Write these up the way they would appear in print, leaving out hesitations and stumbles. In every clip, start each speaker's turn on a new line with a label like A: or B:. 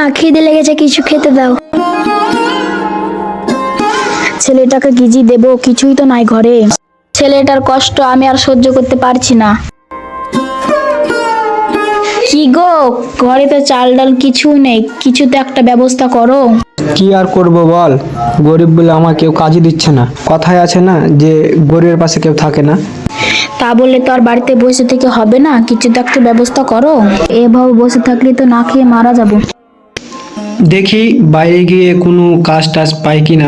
A: খিদে লেগেছে, কিছু খেতে দাও। ছেলেটাকে গিজি দেবো, কিছুই তো নাই ঘরে। ছেলেটার কষ্ট আমি আর সহ্য করতে পারছি না। কি গো, ঘরে তো চাল ডাল কিছু নেই, কিছু তো একটা ব্যবস্থা করো।
B: কি আর করব বল, গরিব বলে আমার কেউ কাজই দিচ্ছে না। কথায় আছে না যে গরিবের পাশে কেউ থাকে না।
A: তা বললে তো আর বাড়িতে বসে থেকে হবে না, কিছু তো একটা ব্যবস্থা করো। এভাবে বসে থাকলে তো না খেয়ে মারা যাবো।
B: দেখি বাইরে গিয়ে কোনো কাজ টাজ পাই কিনা।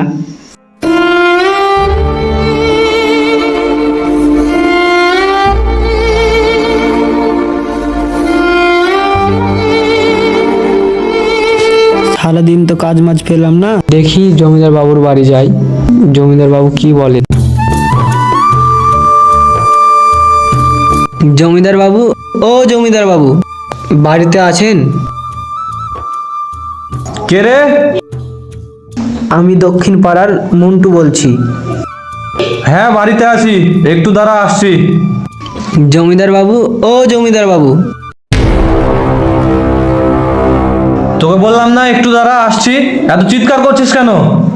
B: সারাদিন তো কাজ মাজ পেলাম না, দেখি জমিদার বাবুর বাড়ি যাই, জমিদার বাবু কি বলে। জমিদার বাবু, ও জমিদার বাবু, বাড়িতে আছেন?
C: কে রে?
B: আমি দক্ষিণ পাড়ার মন্টু বলছি।
C: হ্যাঁ, বাড়িতে আছি, একটু দাঁড়া, আসছি।
B: জমিদার বাবু, ও জমিদার বাবু।
C: তোকে বললাম না একটু দাঁড়া, আসছি। এত চিৎকার করছিস কেন?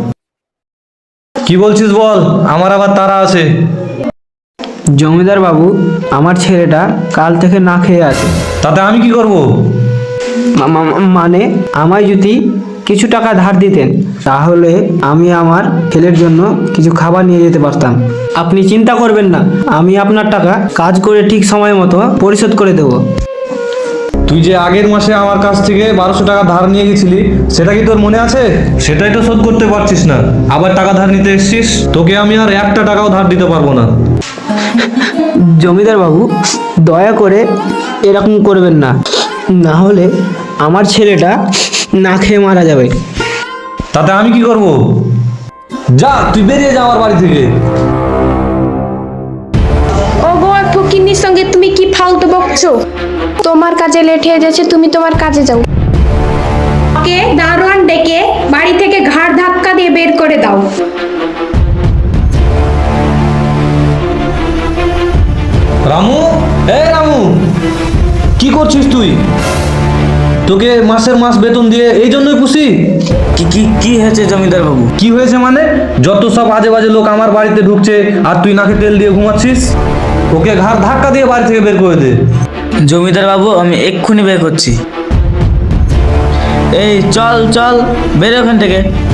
C: কি বলছিস বল, আমার আবার তাড়া আছে।
B: জমিদার বাবু, আমার ছেলেটা কাল থেকে না খেয়ে আছে।
C: তাতে আমি কি করব?
B: মানে আমায় যদি কিছু টাকা ধার দিতেন তাহলে আমি আমার ছেলের জন্য কিছু খাবার নিয়ে যেতে পারতাম। আপনি চিন্তা করবেন না, আমি আপনার টাকা কাজ করে ঠিক সময় মতো পরিশোধ করে দেব।
C: তুই যে আগের মাসে আমার কাছ থেকে 1200 টাকা ধার নিয়ে গেছিলি, সেটা কি তোর মনে আছে? সেটাই তো শোধ করতে পারছিস না, আবার টাকা ধার নিতে এসছিস। তোকে আমি আর একটা টাকাও ধার দিতে পারবো না।
B: জমিদার বাবু, দয়া করে এরকম করবেন না, না হলে আমার ছেলেটা না খেয়ে মারা যাবে।
C: তাতে আমি কি করব? যা, তুই বেরিয়ে যা আমার বাড়ি থেকে।
D: ও গো, ফকিন্নির সঙ্গে তুমি কি ফালতু বকছো? তোমার কাজে লেট হয়ে যাচ্ছে, তুমি তোমার কাজে যাও। ওকে দারোয়ান ডেকে বাড়ি থেকে ঘাড় ধাক্কা দিয়ে বের করে দাও।
C: রামু, রামু, কি করছিস তুই? তোকে মাসের মাস বেতন দিয়ে এই জন্যই খুশি?
E: কি কি কি হয়েছে জমিদার বাবু?
C: কি হয়েছে মানে? যত সব আজে বাজে লোক আমার বাড়িতে ঢুকছে আর তুই নাকে তেল দিয়ে ঘুমাচ্ছিস। ওকে ঘাড় ধাক্কা দিয়ে বাড়ি থেকে বের করে দে।
E: জমিদার বাবু, আমি এক্ষুনি বের করছি। এই চল চল, বেরো ওখান থেকে।